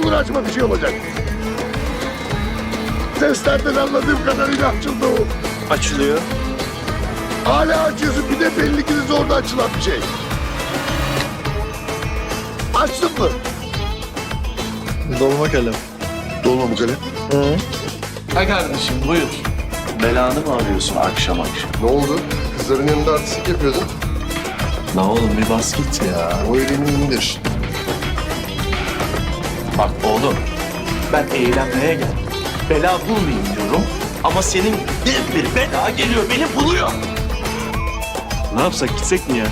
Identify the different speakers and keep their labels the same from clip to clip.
Speaker 1: uğraşma, bir şey olacak. Seslerden anladığım kadarıyla açıldı o.
Speaker 2: Açılıyor.
Speaker 1: Hala açıyorsun, bir de belli ki de zorla açılan bir şey. Açtın mı?
Speaker 2: Dolma kalem.
Speaker 1: Dolma mı kalem?
Speaker 2: Ha kardeşim buyur. Belanı mı arıyorsun akşam akşam?
Speaker 1: Ne oldu? Kızların yanında artistlik yapıyordun.
Speaker 2: La oğlum bir bas git ya.
Speaker 1: O elini indir.
Speaker 2: Bak oğlum ben eğlenmeye geldim. Bela bulmayayım diyorum. Ama senin bir bela geliyor beni buluyor. Ne yapsak gitsek mi ya?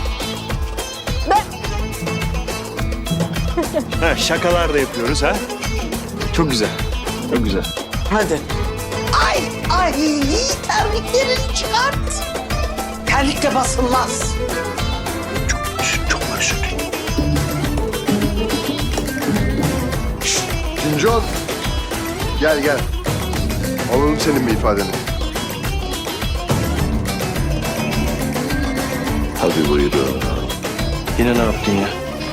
Speaker 2: Ha, şakalar da yapıyoruz ha. Çok güzel. Çok güzel.
Speaker 3: Hadi.
Speaker 4: Ay terliklerini çıkart.
Speaker 3: Terlikle basılmaz.
Speaker 2: Çok özür dilerim.
Speaker 1: Cincan. Gel gel. Alalım senin bir ifadeni.
Speaker 2: Hadi buyurun. Yine ne yaptın ya?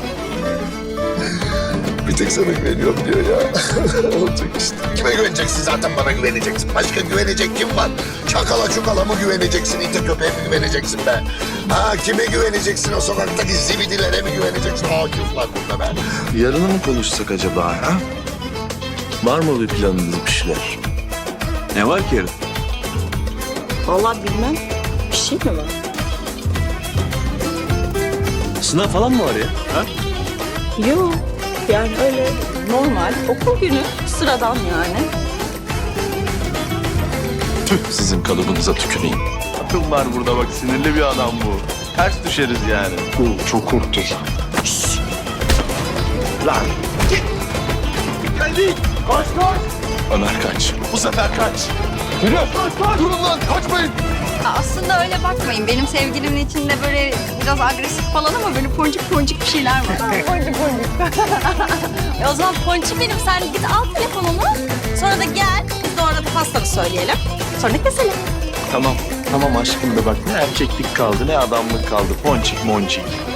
Speaker 1: Bir tek sana güveniyorum diyor ya. Olacak işte. Kime güveneceksin, zaten bana güveneceksin. Başka güvenecek kim var? Çakala çukala mı güveneceksin, ite köpeğe mi güveneceksin be? Ha, kime güveneceksin, o sokaktaki zibidilere mi güveneceksin? Akif var burada be.
Speaker 2: Yarını mı konuşsak acaba ha? Var mı bir planınız bir şeyler? Ne var ki yarın?
Speaker 3: Vallahi bilmem. Bir şey mi var?
Speaker 2: Sınav falan mı var ya? Ha?
Speaker 3: Yok. Yani öyle normal okul günü. Sıradan yani.
Speaker 2: Tüh sizin kalıbınıza tüküreyim. Akıl var burada bak, sinirli bir adam bu. Ters düşeriz yani.
Speaker 1: Çok korktum.
Speaker 2: Lan git. Geldi. Kaç kaç. Ömer kaç. Bu sefer kaç. Yürü. Kaç.
Speaker 1: Durun lan, kaçmayın.
Speaker 5: Aslında öyle bakmayın. Benim sevgilimin içinde böyle biraz agresif falan ama böyle poncuk poncuk bir şeyler var. Poncuk poncuk. O zaman ponçik benim. Sen git al telefonunu. Sonra da gel. Biz de orada pastanı söyleyelim. Sonra da keselim.
Speaker 2: Tamam. Tamam aşkım da bak, ne erkeklik kaldı ne adamlık kaldı. Ponçik monçik.